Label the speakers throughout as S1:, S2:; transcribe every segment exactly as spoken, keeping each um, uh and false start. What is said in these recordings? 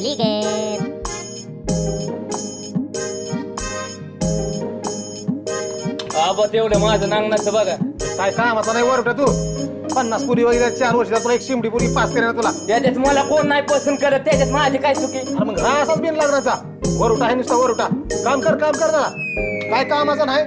S1: आबा तेवढं माझं नांगणाचं बघा.
S2: काय कामाचा नाही वरटा तू पन्नास पुरी वगैरे चार वर्षात तुला एक शिमडी पुरी पास केली ना तुला.
S1: त्याच्यात मला कोण नाही पसंत करत, त्याच्यात माझी काय चुकी.
S2: अरे मग हा असाच बिन लग्नाचा वरुटा आहे नुसता वरुटा. काम कर काम कर जरा, काय कामाचं नाही.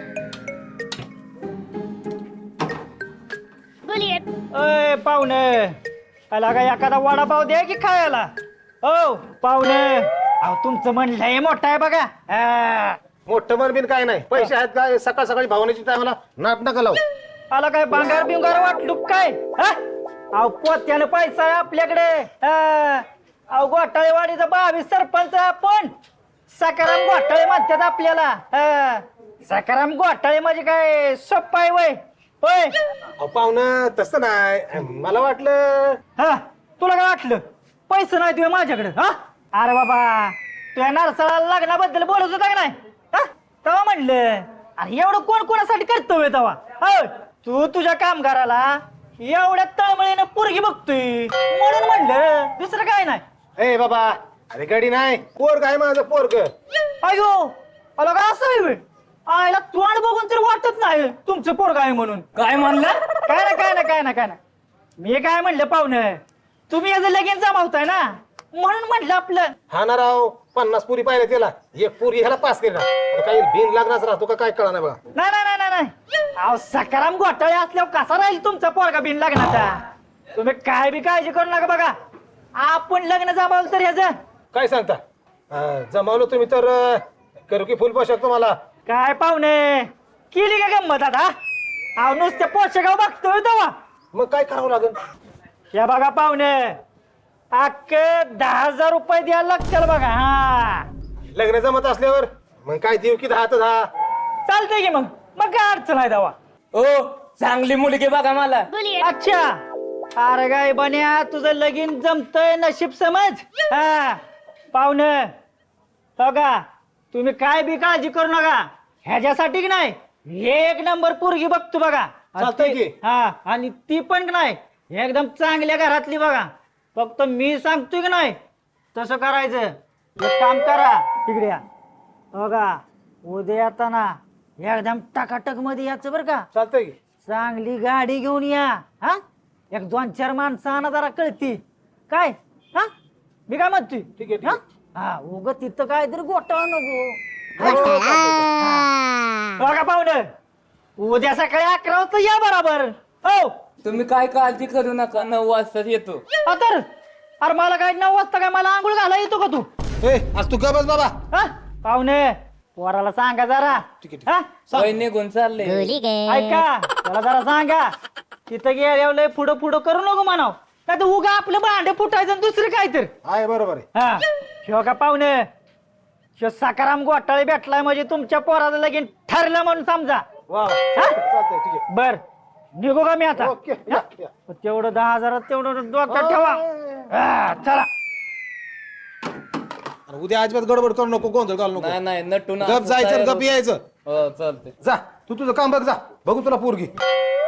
S3: अय पाहुणे, आला का एखादा वडापाव द्या की खायला. हो पाहुणे, अहो तुमचं मन लय मोठं आहे बघा. हा.
S2: मोठं मन बिन काय नाही, पैसे आहेत काय सकाळ सकाळी भावनेची टायमाला नाट नका लावू.
S3: आला काय बांगार बिंगार वाटलू काय? हा? अहो पोत्यानं पैसा आहे आपल्याकडे. हा. अहो घोटाळेवाडीचा बावीस सरपंच आहे आपण. सकाराम घोटाळे म्हणतात आपल्याला. हा. सकाराम घोटाळे म्हणजे काय सोप्पा आहे वय होय?
S2: अहो पाहुणं तसं नाही, मला वाटलं.
S3: हा तुला काय वाटलं पैसे नाही तुझ्या माझ्याकडे? हा अरे बाबा तुझ्या नारसाळाला लग्नाबद्दल बोलत होता का नाही? हा तेव्हा म्हणलं अरे एवढं कोण कोणासाठी कर्तव्य तेव्हा. हो तू तुझ्या कामगाराला एवढ्या तळमळीनं पोरगी बघतोय म्हणून म्हणलं, दुसरं काय नाही.
S2: ए बाबा, अरे गडी नाही, पोरग आहे माझं पोरग.
S3: अयो अला काय असं आहे बे? आयला तोंड बघून तर वाटत नाही तुमचं पोरग आहे म्हणून.
S1: काय म्हणलं?
S3: काय ना काय ना काय ना काय ना मी काय म्हणलं पाहुणं, तुम्ही याचं लगीन जमावताय ना म्हणून म्हणलं आपलं.
S2: हा ना राव, पन्नास पुरी पाहिजे त्याला, एक पुरी ह्याला पास केली ना. आता काही बिन लागणार राहतो का काय कळा नाही बघा.
S3: नाही नाही नाही नाही अहो सकाराम घोटाळे असल्यावर कसा राहील तुमचा पोरगा बिन लग्नाचा? तुम्ही काय बी काळजी करू नका बघा, आपण लग्न जमावलं तर याचं.
S2: काय सांगता? अं, जमावलं तुम्ही तर अं, करू की फुल पोशाख तुम्हाला.
S3: काय पाहुणे केली का गंमत आता? अहो नुसत्या पोषगाव बघतोय तेव्हा.
S2: मग काय करावं लागेल?
S3: या बघा पाहुणे अख्खे दहा हजार रुपये द्यायला लागतील बघा. हा
S2: लग्न जमत असल्यावर मग काय देऊ की दहा तर दहा.
S3: चालतंय की मग मग काय अडचण आहे तेव्हा.
S1: ओ चांगली मुलगी बघा मला.
S3: अच्छा अरे गाय बन्या तुझं लगीन जमतय नशीब समज. हा पाहुणे बघा तुम्ही काय बी काळजी करू नका, ह्याच्यासाठी की नाही एक नंबर पोरगी बघतो बघा.
S2: चालतंय की.
S3: हा आणि ती पण नाही एकदम चांगल्या घरातली बघा. फक्त मी सांगतोय की नाही तसं करायचं. एक काम करा तिकडे या बघा, उद्या येताना एकदम टकाटक मध्ये याचं बरं का.
S2: चालतंय की.
S3: चांगली गाडी घेऊन या. हा एक दोन चार माणसं आणा जरा कळती काय. हा मी काय म्हणतोय
S2: ठीक आहे, ठीक
S3: हा
S2: आहे.
S3: हा उग तिथं काहीतरी गोटाळ नको. बघा पाहुणे उद्या सकाळी अकरा वाजता या बरोबर. हो
S1: तुम्ही काय काळजी करू नका, नऊ वाजता येतो.
S3: तर अरे मला काय नऊ वाजता काय मला आंघोळ घाला येतो का तू?
S2: ए आज तू का बस बाबा.
S3: हा पाहुणे पोराला सांगा जरा.
S2: ठीक आहे,
S3: हा
S1: वय निघून चालले.
S3: ऐका त्याला जरा सांगा तिथं गेल्यावर लय पुढं पुढं करू नको म्हणाव, नाही तर उगा आपलं भांडे फुटायचं आणि दुसरं काय तर.
S2: आहे बरोबर आहे.
S3: हा शिव का पाहुणे शिव सकाराम घोटाळे भेटलाय म्हणजे तुमच्या पोराचं लगीन ठरलं म्हणून समजा.
S2: वा वा.
S3: हा?
S2: चालतंय ठीक आहे.
S3: बर निघू का मी आता?
S2: ओके या, या.
S3: तेवढं दहा हजारात तेवढं डोक्यात ठेवा. हा, चला
S2: आणि उद्या अजिबात गडबड करू नको, गोंधळ घालू नको.
S1: नाही नाही नटून
S2: गप जायचं आणि गप यायचं.
S1: हो चालते.
S2: जा तू तुझं काम बघ, जा बघू तुला पोरगी.